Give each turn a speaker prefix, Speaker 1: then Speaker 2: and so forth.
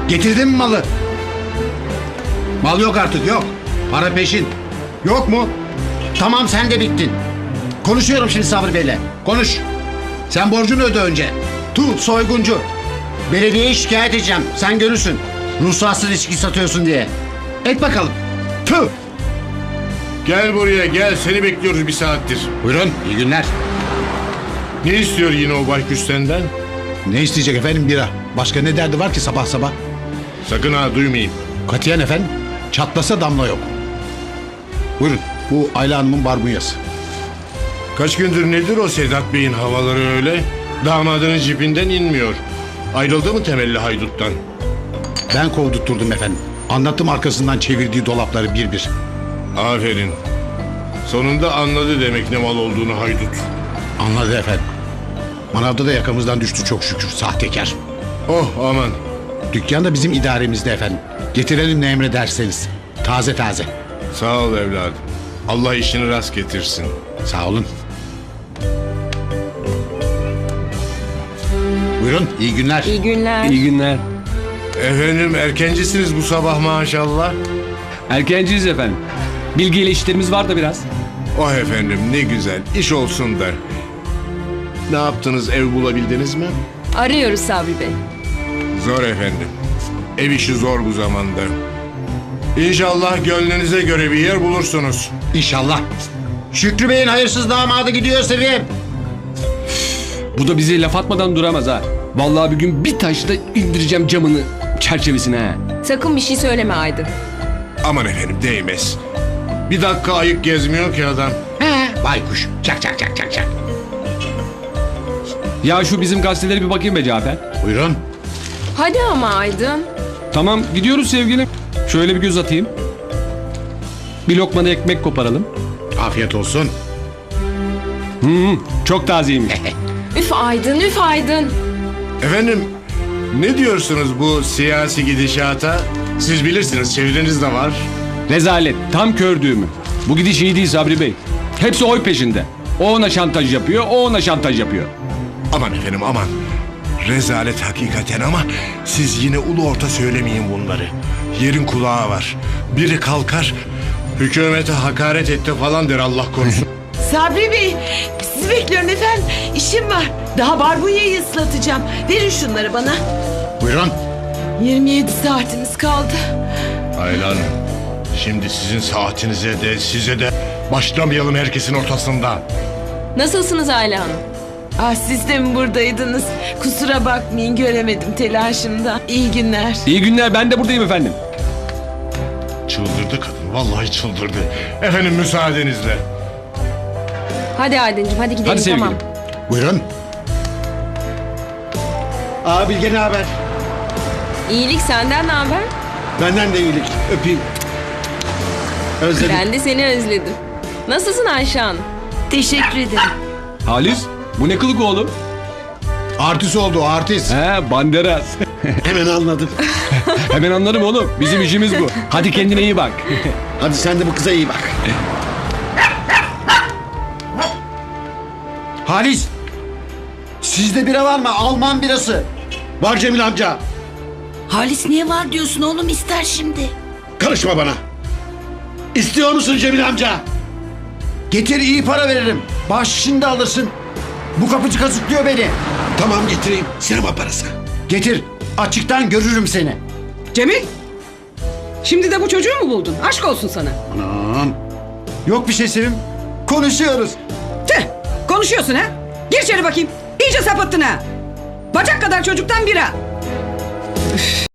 Speaker 1: Getirdin mi malı? Mal yok artık, yok. Para peşin. Yok mu? Tamam, sen de bittin. Konuşuyorum şimdi Sabri Bey'le. Konuş. Sen borcunu öde önce. Soyguncu. Belediyeye şikayet edeceğim. Sen görürsün. Ruhsatsız içki satıyorsun diye. Et bakalım. Tüh.
Speaker 2: Gel buraya gel, seni bekliyoruz bir saattir.
Speaker 1: Buyurun, iyi günler.
Speaker 2: Ne istiyor yine o baykuş senden?
Speaker 1: Ne isteyecek efendim, bira? Başka ne derdi var ki sabah sabah?
Speaker 2: Sakın ha duymayayım.
Speaker 1: Katiyen efendim. Çatlasa damla yok. Buyurun, bu Ayla Hanım'ın barbunyası.
Speaker 2: Kaç gündür nedir o Sedat Bey'in havaları öyle? Damadının cipinden inmiyor. Ayrıldı mı temelli hayduttan?
Speaker 1: Ben kovdurtturdum efendim. Anlattım arkasından çevirdiği dolapları bir bir.
Speaker 2: Aferin. Sonunda anladı demek ne mal olduğunu haydut.
Speaker 1: Anladı efendim. Manavda da yakamızdan düştü çok şükür, sahtekar.
Speaker 2: Oh aman.
Speaker 1: Dükkan da bizim idaremizde efendim. Getirelim ne emrederseniz. Taze taze.
Speaker 2: Sağ ol evladım. Allah işini rast getirsin.
Speaker 1: Sağ olun. Buyurun, iyi günler.
Speaker 3: İyi günler.
Speaker 4: İyi günler.
Speaker 2: Efendim erkencisiniz bu sabah maşallah.
Speaker 4: Erkenciyiz efendim. Bilgiyle işlerimiz var da biraz.
Speaker 2: Oh efendim ne güzel iş olsun da. Ne yaptınız, ev bulabildiniz mi?
Speaker 3: Arıyoruz Sabri Bey.
Speaker 2: Zor efendim. Ev işi zor bu zamanda. İnşallah gönlünüze göre bir yer bulursunuz.
Speaker 1: İnşallah. Şükrü Bey'in hayırsız damadı gidiyor Sevim.
Speaker 4: Bu da bize laf atmadan duramaz ha. Vallahi bir gün bir taşla indireceğim camını çerçevesine ha.
Speaker 3: Sakın bir şey söyleme Aydın.
Speaker 2: Aman efendim değmez. Bir dakika ayık gezmiyor ki adam.
Speaker 1: Baykuş. Çak çak çak çak çak.
Speaker 4: Ya şu bizim gazetelere bir bakayım be Cafer.
Speaker 1: Buyurun.
Speaker 3: Hadi ama Aydın.
Speaker 4: Tamam gidiyoruz sevgilim. Şöyle bir göz atayım. Bir lokma da ekmek koparalım.
Speaker 1: Afiyet olsun.
Speaker 4: Çok tazeymiş.
Speaker 3: Üf Aydın, üf Aydın.
Speaker 2: Efendim ne diyorsunuz bu siyasi gidişata? Siz bilirsiniz, çevreniz de var.
Speaker 4: Rezalet. Tam kör düğümü. Bu gidiş iyi değil Sabri Bey. Hepsi oy peşinde. O ona şantaj yapıyor, o ona şantaj yapıyor.
Speaker 2: Aman efendim aman. Rezalet hakikaten ama siz yine ulu orta söylemeyin bunları. Yerin kulağı var. Biri kalkar, hükümete hakaret etti falan der Allah korusun.
Speaker 5: Sabri Bey, sizi bekliyorum efendim. İşim var. Daha barbunyayı ıslatacağım. Verin şunları bana.
Speaker 1: Buyurun.
Speaker 5: 27 saatimiz kaldı.
Speaker 2: Aylan, şimdi sizin saatinize de size de başlamayalım herkesin ortasında.
Speaker 3: Nasılsınız Ayla Hanım?
Speaker 5: Ah, siz de mi buradaydınız? Kusura bakmayın, göremedim telaşımda. İyi günler.
Speaker 4: İyi günler, ben de buradayım efendim.
Speaker 2: Çıldırdı kadın, vallahi çıldırdı. Efendim müsaadenizle.
Speaker 3: Hadi Aydıncığım, hadi gidelim.
Speaker 4: Hadi sevgilim.
Speaker 3: Tamam.
Speaker 1: Buyurun. Bilge ne haber?
Speaker 3: İyilik, senden ne haber?
Speaker 1: Benden de iyilik. Öpeyim. Özledim.
Speaker 3: Ben de seni özledim. Nasılsın Ayşe Hanım?
Speaker 5: Teşekkür ederim.
Speaker 4: Halis, bu ne kılık oğlum?
Speaker 1: Artist oldu o, artist.
Speaker 4: He, banderas.
Speaker 1: Hemen anladım.
Speaker 4: Hemen anlarım oğlum. Bizim işimiz bu. Hadi kendine iyi bak.
Speaker 1: Hadi sen de bu kıza iyi bak. Halis. Sizde bira var mı? Alman birası. Var Cemil amca.
Speaker 5: Halis niye var diyorsun oğlum, ister şimdi.
Speaker 1: Karışma bana. İstiyor musun Cemil amca? Getir, iyi para veririm. Bahşişini alırsın. Bu kapıcı kazıklıyor beni. Tamam, getireyim. Sinema parası. Getir. Açıktan görürüm seni.
Speaker 6: Cemil! Şimdi de bu çocuğu mu buldun? Aşk olsun sana.
Speaker 1: Anam. Yok bir şey Sevim. Konuşuyoruz.
Speaker 6: Tüh! Konuşuyorsun ha? Gir içeri bakayım. İyice sapıttın ha. Bacak kadar çocuktan bira. Üf.